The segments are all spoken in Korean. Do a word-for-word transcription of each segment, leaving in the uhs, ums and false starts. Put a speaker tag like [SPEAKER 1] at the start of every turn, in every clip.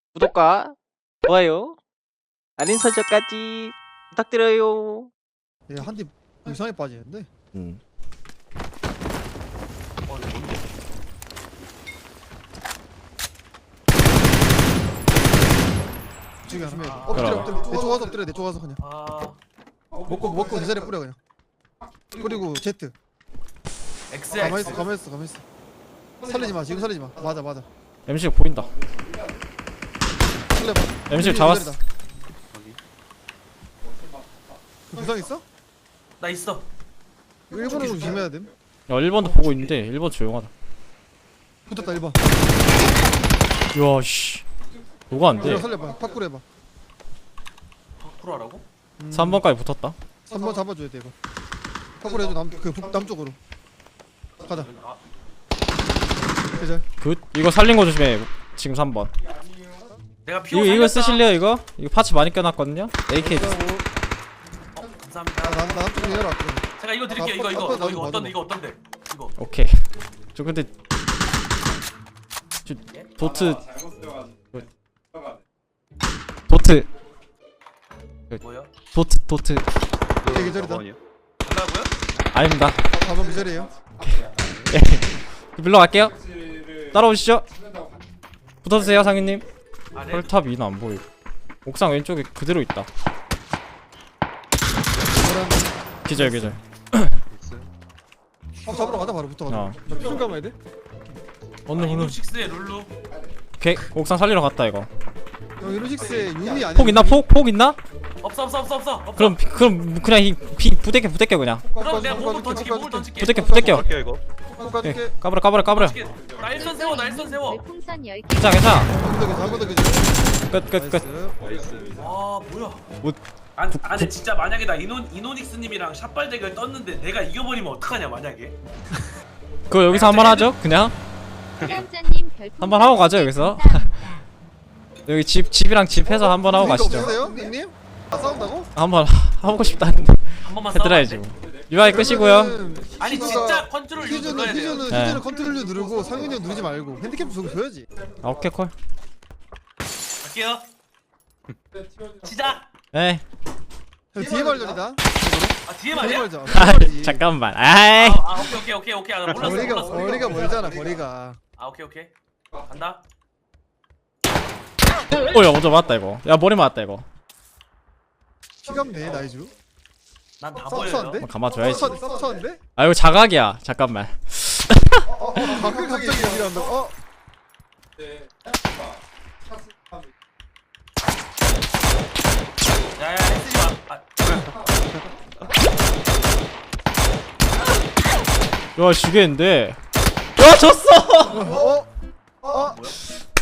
[SPEAKER 1] 구독과 좋아요, 알림 설정까지 부탁드려요.
[SPEAKER 2] 얘 한대 이상하게 빠지는데?
[SPEAKER 3] 음.
[SPEAKER 4] 어, 이거 뭔데?
[SPEAKER 2] 지금 하면
[SPEAKER 4] 아,
[SPEAKER 2] 엎드려
[SPEAKER 3] 그럼.
[SPEAKER 2] 엎드려 내 쪽가서 엎드려 내 쪽가서 그냥
[SPEAKER 4] 아,
[SPEAKER 2] 먹고 먹고 내 자리에 뿌려 그냥. 그리고 Z 가만히 있어
[SPEAKER 4] 엑스 엑스.
[SPEAKER 2] 가만히 있어 가만히 있어 살리지 마 지금 살리지 마 맞아 맞아
[SPEAKER 3] 엠씨 보인다.
[SPEAKER 2] 살려봐
[SPEAKER 3] 엠씨 잡았어.
[SPEAKER 4] 여기.
[SPEAKER 2] 부상 있어?
[SPEAKER 4] 나 있어.
[SPEAKER 2] 일본으로 조심해야 됨
[SPEAKER 3] 야 일 번도 보고 있는데 일 번 조용하다.
[SPEAKER 2] 붙었다 일 번
[SPEAKER 3] 이야 씨. 뭐가 안 돼?
[SPEAKER 2] 이거 살려봐 파쿠르 해봐
[SPEAKER 4] 파쿠르 하라고?
[SPEAKER 2] 음,
[SPEAKER 3] 삼 번까지 붙었다.
[SPEAKER 2] 삼 번 잡아줘야 돼 이거 파쿠르 해줘 남그 남쪽으로 가자
[SPEAKER 4] 아,
[SPEAKER 2] 계절
[SPEAKER 3] 굿. 이거 살린 거 조심해. 지금 삼 번.
[SPEAKER 4] 내가 피오
[SPEAKER 3] 이거 이거
[SPEAKER 4] 살렸다.
[SPEAKER 3] 쓰실래요 이거? 이거 파츠 많이 껴놨거든요. 에이케이.
[SPEAKER 4] 어,
[SPEAKER 2] 나,
[SPEAKER 4] 감사합니다.
[SPEAKER 2] 나, 나 남쪽으로 내려와 그럼
[SPEAKER 4] 제가 이거 드릴게요. 이거
[SPEAKER 2] 아,
[SPEAKER 4] 이거
[SPEAKER 2] 아빠,
[SPEAKER 4] 이거, 이거
[SPEAKER 2] 맞아,
[SPEAKER 4] 어떤데?
[SPEAKER 2] 맞아.
[SPEAKER 4] 이거 어떤데? 이거.
[SPEAKER 3] 오케이. 저 근데 저 도트 도트
[SPEAKER 4] 뭐야?
[SPEAKER 3] 도트 도트
[SPEAKER 2] 이게 계절이다
[SPEAKER 4] 간다고요?
[SPEAKER 3] 아닙니다.
[SPEAKER 2] 사 번 계절이에요
[SPEAKER 3] 밀러 갈게요. 따라오시죠. 붙어주세요 상인님.
[SPEAKER 4] 아, 네.
[SPEAKER 3] 헐탑 위는 안 보이고 옥상 왼쪽에 그대로 있다. 기절 기절.
[SPEAKER 2] 아 잡으러 가자 바로 붙어가자
[SPEAKER 3] 어.
[SPEAKER 2] 나 피좀 감아야 돼?
[SPEAKER 3] 어느 어느.
[SPEAKER 4] 이노식스의 룰루.
[SPEAKER 3] 오케이 옥상 살리러 갔다 이거.
[SPEAKER 2] 형 이노식스의 유미 아니야?
[SPEAKER 3] 폭 있나 폭? 폭 있나?
[SPEAKER 4] 없어 없어 없어 없어. 없어.
[SPEAKER 3] 그럼 비- 그럼 그냥 이 비 부대껴 부대껴 그냥.
[SPEAKER 4] 그럼 내가 몸을 던질게. 몸을 던질게.
[SPEAKER 3] 부대껴 부대껴.
[SPEAKER 2] 이거
[SPEAKER 3] 오케이.
[SPEAKER 2] 가줄게
[SPEAKER 3] 까버려 까버려 까버려.
[SPEAKER 4] 나 일선 세워. 나 일선 세워.
[SPEAKER 5] 별풍선 열 개.
[SPEAKER 3] 괜찮아 괜찮아.
[SPEAKER 2] 한번더 계절 한번더 계절
[SPEAKER 3] 끝끝 끝.
[SPEAKER 4] 와 뭐야?
[SPEAKER 3] 뭐-
[SPEAKER 4] 아, 아 근데 진짜 만약에 나 이노 이노닉스님이랑 샷발 대결 떴는데 내가 이겨버리면 어떡하냐 만약에?
[SPEAKER 3] 그거 여기서 한번 하죠 그냥.
[SPEAKER 5] 사연자님 별풍선
[SPEAKER 3] 한번 하고 가죠 여기서. 여기 집 집이랑 집 해서 한번 하고 가시죠.
[SPEAKER 2] 없으세요? 형님? 아 싸운다고?
[SPEAKER 3] 한번 하고 싶다 했는데
[SPEAKER 4] 한 번만
[SPEAKER 3] 해드려야지.
[SPEAKER 4] 싸워봐.
[SPEAKER 3] 뭐. 유아이 끝이고요.
[SPEAKER 2] 그러면은
[SPEAKER 4] 아니
[SPEAKER 2] 희주가-
[SPEAKER 4] 진짜 컨트롤 유
[SPEAKER 2] 희주는
[SPEAKER 4] 눌러야 돼요.
[SPEAKER 2] 희주는
[SPEAKER 3] 네.
[SPEAKER 2] 희주는 컨트롤 누르고 상윤이 형 누르지 말고 핸디캡 좀 줘야지.
[SPEAKER 3] 아, 오케이 콜.
[SPEAKER 4] 갈게요. 시작.
[SPEAKER 3] 에이.
[SPEAKER 2] 형 뒤에 말전이다.
[SPEAKER 4] 아 뒤에
[SPEAKER 2] 뒤에
[SPEAKER 4] 말이야?
[SPEAKER 2] 말전.
[SPEAKER 3] 아, 잠깐만. 아이.
[SPEAKER 4] 아, 아 오케이 오케이 오케이 오케이. 아, 나 몰랐어
[SPEAKER 2] 거리가
[SPEAKER 4] 몰랐어.
[SPEAKER 2] 거리가 멀잖아 거리가.
[SPEAKER 4] 아 오케이 오케이. 간다.
[SPEAKER 3] 어, 야, 먼저 맞았다 이거. 야, 머리 맞았다 이거.
[SPEAKER 2] 피감네 나이주.
[SPEAKER 4] 난 다 보여요.
[SPEAKER 2] 쌉싸한데?
[SPEAKER 3] 한번 감아줘야지.
[SPEAKER 2] 쌉싸한데?
[SPEAKER 3] 아, 이거 자각이야. 잠깐만.
[SPEAKER 2] 어, 어, 가끔 갑자기 여기 한다. 어.
[SPEAKER 4] 야야 쓰지 마. 아,
[SPEAKER 3] 야, 죽겠는데. 야, 졌어.
[SPEAKER 2] 어. 어.
[SPEAKER 4] 뭐야?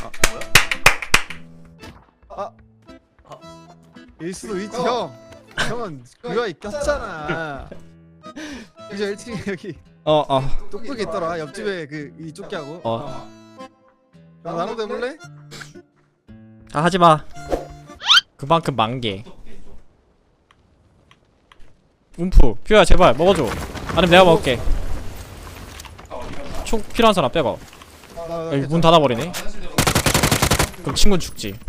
[SPEAKER 2] 아. 일 수도 있지 형. 형은 그거 꼈잖아. 이제 일 층에 여기
[SPEAKER 3] 어, 어.
[SPEAKER 2] 똑똑이 있더라. 옆집에 그 이 쫓기하고.
[SPEAKER 3] 어.
[SPEAKER 2] 형 나눠도 해볼래?
[SPEAKER 3] 아, 하지 마. 그만큼 만개. 움프. 퓨야, 제발 먹어줘. 아니면 내가 먹을게. 총 필요한 사람 빼고.
[SPEAKER 2] 나, 나,
[SPEAKER 3] 여기 문
[SPEAKER 2] 괜찮아.
[SPEAKER 3] 닫아버리네. 그럼 친구는 죽지.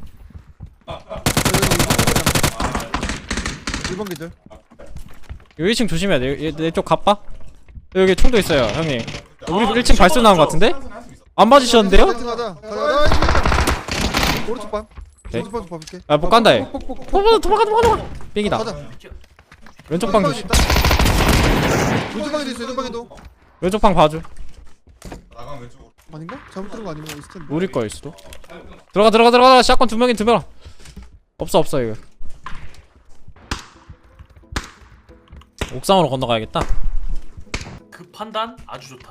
[SPEAKER 2] 일 번 계절.
[SPEAKER 3] 여기 일 층 조심해야 돼. 내쪽 가빠? 여기 총도 있어요, 형님. 우리 일 층 발소 나온 것 같은데? 안 맞으셨는데요?
[SPEAKER 2] 일 층 가자. 가자. 가자. 오른쪽 방.
[SPEAKER 3] 오케이.
[SPEAKER 2] 오른쪽 방 봐볼게.
[SPEAKER 3] 아, 못 간다, 얘.
[SPEAKER 2] 폭폭폭.
[SPEAKER 3] 도망가, 도망가, 도망가, 도망가. 삥이다.
[SPEAKER 2] 가자.
[SPEAKER 3] 왼쪽 방 조심.
[SPEAKER 2] 왼쪽 방에도 있어. 왼쪽 방에도.
[SPEAKER 3] 왼쪽 방 봐줘.
[SPEAKER 2] 아닌가? 잘못 들은 거 아니면 있을 텐데.
[SPEAKER 3] 우리 거일 수도. 들어가, 들어가, 들어가. 샷건 두 명인 두 명. 없어, 없어, 이거. 옥상으로 건너가야겠다.
[SPEAKER 4] 그 판단 아주 좋다.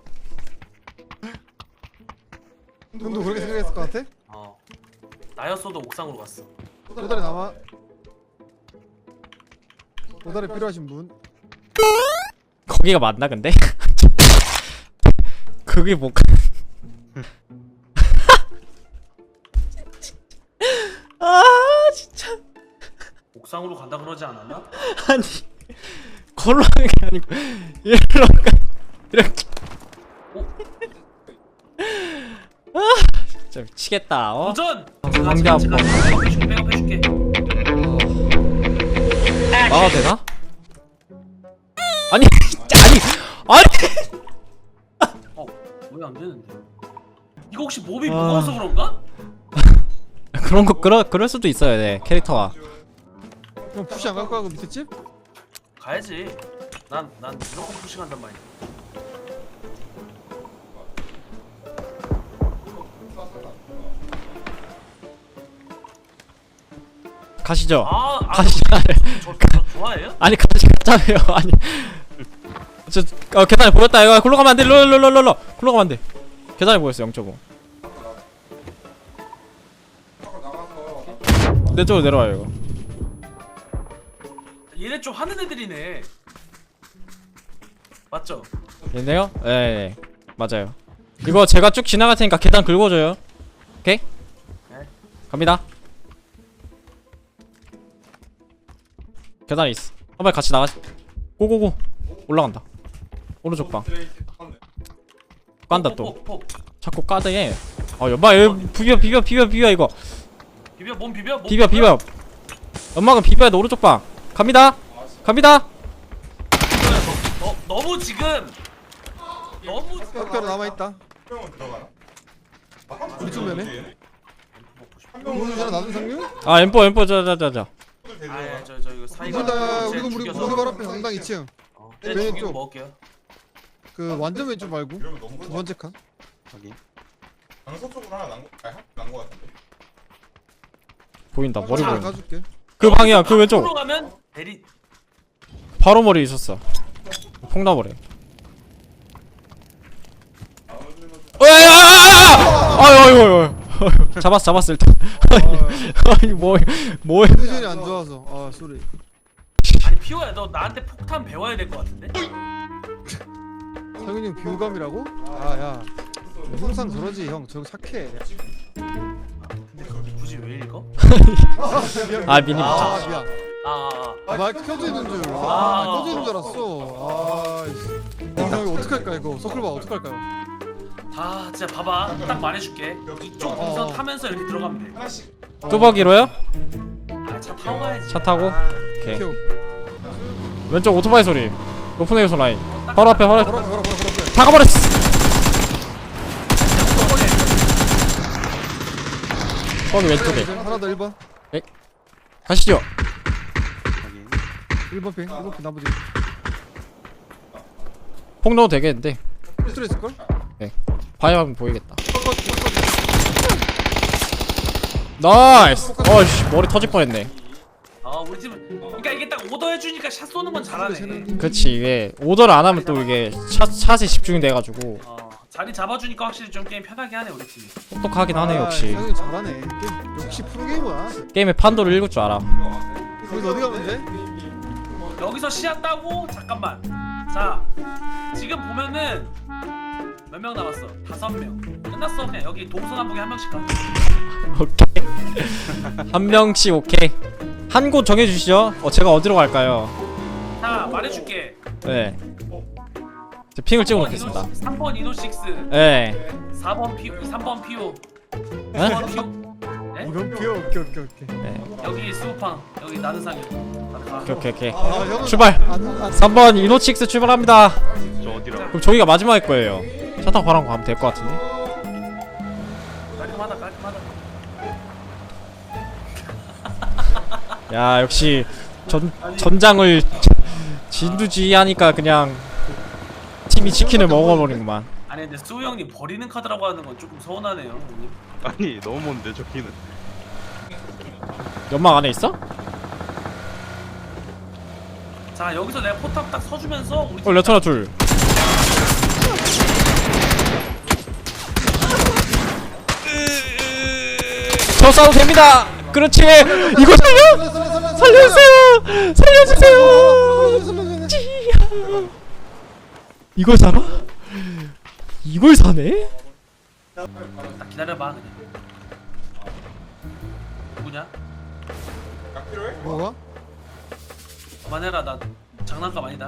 [SPEAKER 2] 형도 그렇게 생각했을 것 같아?
[SPEAKER 4] 어. 나였어도 옥상으로 갔어.
[SPEAKER 2] 도다리 남아. 도다리 필요하신 분?
[SPEAKER 3] 거기가 맞나, 근데? 그게 뭐. 아, 진짜.
[SPEAKER 4] 옥상으로 간다 그러지 않았나?
[SPEAKER 3] 아니. 걸어가는 게 아니고 이리로 가 이렇게. 아 진짜 미치겠다. 어?
[SPEAKER 4] 도전!
[SPEAKER 3] 상대 아파.
[SPEAKER 4] 백업해줄게 백업해줄게.
[SPEAKER 3] 막아도 되나? 아니 아니 아니
[SPEAKER 4] 어 왜 안 되는데? 이거 혹시 몸이
[SPEAKER 3] 아.
[SPEAKER 4] 무거워서 그런가?
[SPEAKER 3] 그런 거 그럴 그럴 수도 있어요. 네 캐릭터가.
[SPEAKER 2] 그럼 푸시 안 갈 거야 그 밑에 집?
[SPEAKER 4] 가야지. 난 난 무조건 푸싱한단 말이야.
[SPEAKER 3] 가시죠.
[SPEAKER 4] 아, 아
[SPEAKER 3] 가시죠.
[SPEAKER 4] 저, 저, 저 좋아해요?
[SPEAKER 3] 아니 같이 갔자며요. 아니 저 어, 계단에 보였다. 이거 굴러 가면 안 돼. 롤롤롤롤 굴러 가면 안 돼. 계단에 보였어. 영 점 오. 내 쪽으로 내려와요. 이거
[SPEAKER 4] 얘네 좀 하는 애들이네. 맞죠?
[SPEAKER 3] 얘네요? 네, 네 맞아요. 이거 제가 쭉 지나갈 테니까 계단 긁어줘요. 오케이?
[SPEAKER 4] 네.
[SPEAKER 3] 갑니다. 계단에 있어. 한번 같이 나가. 고고고. 올라간다. 오른쪽 방. 깐다 또.
[SPEAKER 4] 폭, 폭, 폭.
[SPEAKER 3] 자꾸 까대. 아 여봐 비벼 비벼 비벼 비벼 이거.
[SPEAKER 4] 비벼 몸 비벼 몸
[SPEAKER 3] 비벼 비벼. 연막은 비벼야 돼. 오른쪽 방. 갑니다. 갑니다.
[SPEAKER 4] 너, 너, 너무 지금 너무
[SPEAKER 2] 학교로 남아있다 우리 쪽 면에 오늘 전에 나도 상류?
[SPEAKER 3] 아 엠포 엠포 자자자자.
[SPEAKER 4] 아예 저 저 이거 사이가
[SPEAKER 2] 우리 다
[SPEAKER 4] 쟤
[SPEAKER 2] 우리 우리
[SPEAKER 4] 죽여서.
[SPEAKER 2] 우리 바로 앞에 강당 이 층
[SPEAKER 4] 어, 쟤
[SPEAKER 2] 왼쪽.
[SPEAKER 4] 죽이고 먹을게요.
[SPEAKER 2] 그 완전 왼쪽 말고 두 번째 칸
[SPEAKER 6] 강서 쪽으로 하나 난거 아니 난거 같은데.
[SPEAKER 3] 보인다. 머리
[SPEAKER 2] 자,
[SPEAKER 3] 보인다.
[SPEAKER 2] 가줄게
[SPEAKER 3] 그 방이야. 그 왼쪽.
[SPEAKER 4] 앞으로 가면 대리
[SPEAKER 3] 바로 머리 있었어. 폭나버려. 아유 잡았어 잡았어 일단. 아니 뭐 뭐해?
[SPEAKER 2] 컨디션이 안 좋아서 아 쏘리
[SPEAKER 4] 아니 피오야 너 나한테 폭탄 배워야 될 것 같은데?
[SPEAKER 2] 상윤이 형 비호감이라고? 아야 항상 저러지 형 저거 착해
[SPEAKER 4] 근데 그걸 굳이 왜 읽어?
[SPEAKER 3] 아 미니
[SPEAKER 2] 아
[SPEAKER 3] 붙여.
[SPEAKER 2] 미안
[SPEAKER 4] 아, 아,
[SPEAKER 2] 아, 마이크 켜져 있는 줄. 아,
[SPEAKER 4] 아.
[SPEAKER 2] 켜져 있는 줄 알았어. 아, 이씨. 어, 형 이거 어떡할까 이거? 서클바 어떡할까요?
[SPEAKER 4] 아. 아 진짜 봐봐 딱 말해줄게 이쪽 동선
[SPEAKER 2] 어.
[SPEAKER 4] 타면서 이렇게 들어가면 돼.
[SPEAKER 3] 뚜벅이로요?
[SPEAKER 4] 아 차 타고 가야지.
[SPEAKER 3] 차 타고?
[SPEAKER 4] 아,
[SPEAKER 3] 오케이.
[SPEAKER 2] 켜.
[SPEAKER 3] 왼쪽 오토바이 소리. 높은 에어소 라인. 바로 앞에 바로 앞에.
[SPEAKER 2] 걸어 걸어 걸어 걸어.
[SPEAKER 3] 다가버렸어. 거기 왼쪽에.
[SPEAKER 2] 하나 더 일 번.
[SPEAKER 3] 가시죠.
[SPEAKER 2] 일 번 핑. 일 번 핑 나머지.
[SPEAKER 3] 폭 넣어도 되겠는데.
[SPEAKER 2] 스트레스 걸?
[SPEAKER 3] 바위 하면 보이겠다. 나이스. 어이씨 머리 터질 뻔했네.
[SPEAKER 4] 아 우리 팀은 그러니까 이게 딱 오더 해주니까 샷 쏘는 건 잘하네.
[SPEAKER 3] 그치 이게 오더를 안 하면 또 이게 샷, 샷에 집중이 돼가지고
[SPEAKER 4] 어 자리 잡아주니까 확실히 좀 게임 편하게 하네 우리 팀이.
[SPEAKER 3] 똑똑하긴 하네 역시.
[SPEAKER 2] 상윤이 잘하네. 게임, 역시 프로게이머야.
[SPEAKER 3] 게임의 판도를 읽을 줄 알아.
[SPEAKER 2] 거기서 어디 가면 돼?
[SPEAKER 4] 여기서 시야 따고 잠깐만. 자 지금 보면은 몇 명 남았어? 다섯 명. 끝났어. 그냥 여기 동서남북에 한 명씩 가.
[SPEAKER 3] 오케이. 한 명씩 오케이. 한 곳 정해주시죠. 어 제가 어디로 갈까요?
[SPEAKER 4] 자 말해줄게.
[SPEAKER 3] 네. 제 핑을 찍어 놓겠습니다.
[SPEAKER 4] 삼 번 이노식스,
[SPEAKER 3] 네.
[SPEAKER 4] 사 번 피, 삼 번 피오,
[SPEAKER 3] 네?
[SPEAKER 4] 구 번 피오. 네?
[SPEAKER 2] 이건 귀여워. 오케이 오케이 오케이.
[SPEAKER 3] 네.
[SPEAKER 4] 여기 스우팡, 여기 나는 상이.
[SPEAKER 3] 오케이 오케이 오케이.
[SPEAKER 2] 아, 형은
[SPEAKER 3] 출발.
[SPEAKER 2] 안, 안,
[SPEAKER 3] 삼 번 이노칙스 출발합니다.
[SPEAKER 6] 저 어디라고?
[SPEAKER 3] 그럼 저기가 마지막일 거예요. 차 타고 바람 가면 될 것 같은데.
[SPEAKER 4] 깔끔하다, 깔끔하다.
[SPEAKER 3] 야 역시 전 전장을 진두지휘하니까 그냥 팀이 치킨을 먹어버린구만.
[SPEAKER 4] 아니 근데 수우 형님 버리는 카드라고 하는 건 조금 서운하네요, 형님.
[SPEAKER 6] 아니 너무 먼데 저기는.
[SPEAKER 3] 연막 안에 있어?
[SPEAKER 4] 자 여기서 내가 포탑 딱 서주면서 우리
[SPEAKER 3] 어 레터나 둘. 저 싸도 됩니다. 그렇지. 이거 살려. 살려주세요. 살려주세요. 찌야. 이걸 사나? 이걸 사네?
[SPEAKER 4] 딱 기다려봐 그냥. 누구냐?
[SPEAKER 2] 뭐가?
[SPEAKER 4] 그만해라 나 장난감 아니다.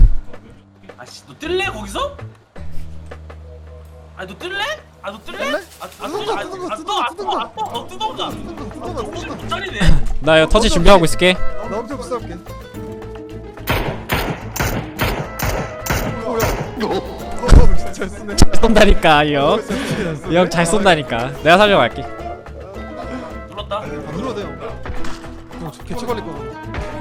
[SPEAKER 4] 아씨 너 뜰래 거기서? 아니 너 뜰래? 아 너 뜰래?
[SPEAKER 2] 뜰래?
[SPEAKER 4] 아, 아,
[SPEAKER 2] 뜯어,
[SPEAKER 4] 뜯어, 아,
[SPEAKER 2] 뜯어,
[SPEAKER 4] 아,
[SPEAKER 2] 뜯어,
[SPEAKER 4] 아,
[SPEAKER 2] 뜯어.
[SPEAKER 4] 아, 어, 뜯어가.
[SPEAKER 2] 뜯어봐
[SPEAKER 4] 정신
[SPEAKER 2] 뜯어봐
[SPEAKER 4] 못 차리네.
[SPEAKER 3] 나 이거 터치 준비하고 있을게.
[SPEAKER 2] 나 엄청 싸울게 오야 잘 쓰네
[SPEAKER 3] 쏜다니까 이형. 이형 잘 쏜다니까. 내가 살려갈게.
[SPEAKER 4] 눌렀다.
[SPEAKER 2] 안 눌러도 돼요 형 개체 걸릴 거거든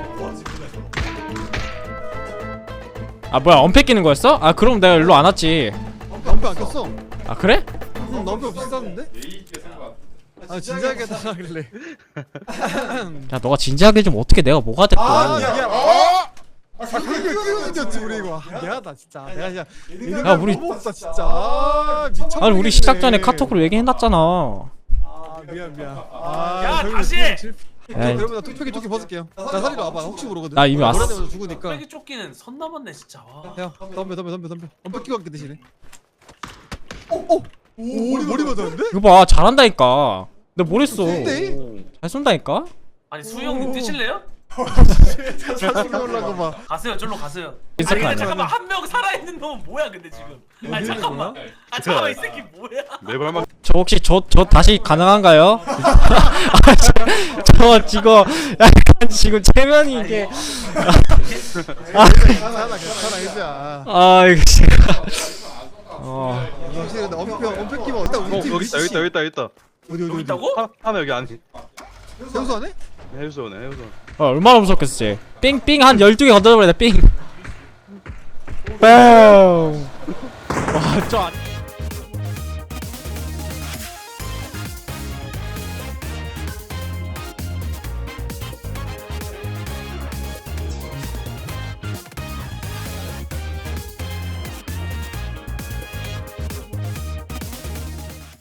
[SPEAKER 3] 아 뭐야 언패 끼는 거였어? 아 그럼 내가 일로 안 왔지.
[SPEAKER 2] 남편 안 꼈어
[SPEAKER 3] 아 그래?
[SPEAKER 2] 응 남편 비슷한데? 아 진지하게 해달라길래
[SPEAKER 3] 야 너가 진지하게 좀 어떻게 내가 뭐가 됐고.
[SPEAKER 2] 아 미안 아 그렇게 끼우는겼지 우리 이거 아, 미안하다 진짜 내가 진짜
[SPEAKER 3] 야, 우리-
[SPEAKER 2] 너무 없다 진짜 아 미쳐
[SPEAKER 3] 아니 우리 시작 전에 카톡으로 얘기해놨잖아.
[SPEAKER 2] 아 미안 미안 아
[SPEAKER 4] 야,
[SPEAKER 2] 결국
[SPEAKER 4] 다시!
[SPEAKER 2] 그냥 질-
[SPEAKER 3] 에이.
[SPEAKER 2] 그러면 나 뚝배기 조끼 벗을게요 나 살리러 와봐 혹시 모르거든
[SPEAKER 3] 나 이미 왔어.
[SPEAKER 2] 노란애면서 죽으니까
[SPEAKER 4] 빼기 쫓기는 선 넘었네 진짜. 와.
[SPEAKER 2] 야 덤벼 덤벼 덤벼 덤벼 엄청 끼고 갈게 대신에 오오 오 머리 맞았는데?
[SPEAKER 3] 이거 봐 잘한다니까. 내가 뭘 했어.
[SPEAKER 2] 근데?
[SPEAKER 3] 잘 쏜다니까.
[SPEAKER 4] 아니 수영님 뛰실래요?
[SPEAKER 2] 자식이 올라가 봐
[SPEAKER 4] 가세요. 절로 가세요. 아니
[SPEAKER 3] 인사카
[SPEAKER 4] 근데
[SPEAKER 3] 아니야.
[SPEAKER 4] 잠깐만 한 명 살아있는 놈은 뭐야 근데 지금? 아니 잠깐만. 아 잠깐만 이 새끼 뭐야?
[SPEAKER 6] 내 발만
[SPEAKER 3] 저 혹시 저 저 다시 가능한가요? 아, 저, 저 지금 약간 지금 체면이 이게
[SPEAKER 2] 괜찮아 괜찮아 이제야
[SPEAKER 3] 아 이거 지금 어
[SPEAKER 2] 확실히 근데 엄폐 엄폐 끼면 일단 우리
[SPEAKER 6] 어
[SPEAKER 2] 팀
[SPEAKER 6] 여기 있다 여기 있다 여기 있다 여기 있다
[SPEAKER 2] 어디 어디
[SPEAKER 4] 여기
[SPEAKER 2] 어디
[SPEAKER 4] 있다고?
[SPEAKER 6] 하, 하나 여기 안에
[SPEAKER 2] 세우수 안에?
[SPEAKER 6] 해수원에 해수원
[SPEAKER 3] 어, 얼마나 무섭겠지. 삥삥 한 열두 개 건드려버리다 삥. 뻥. 와저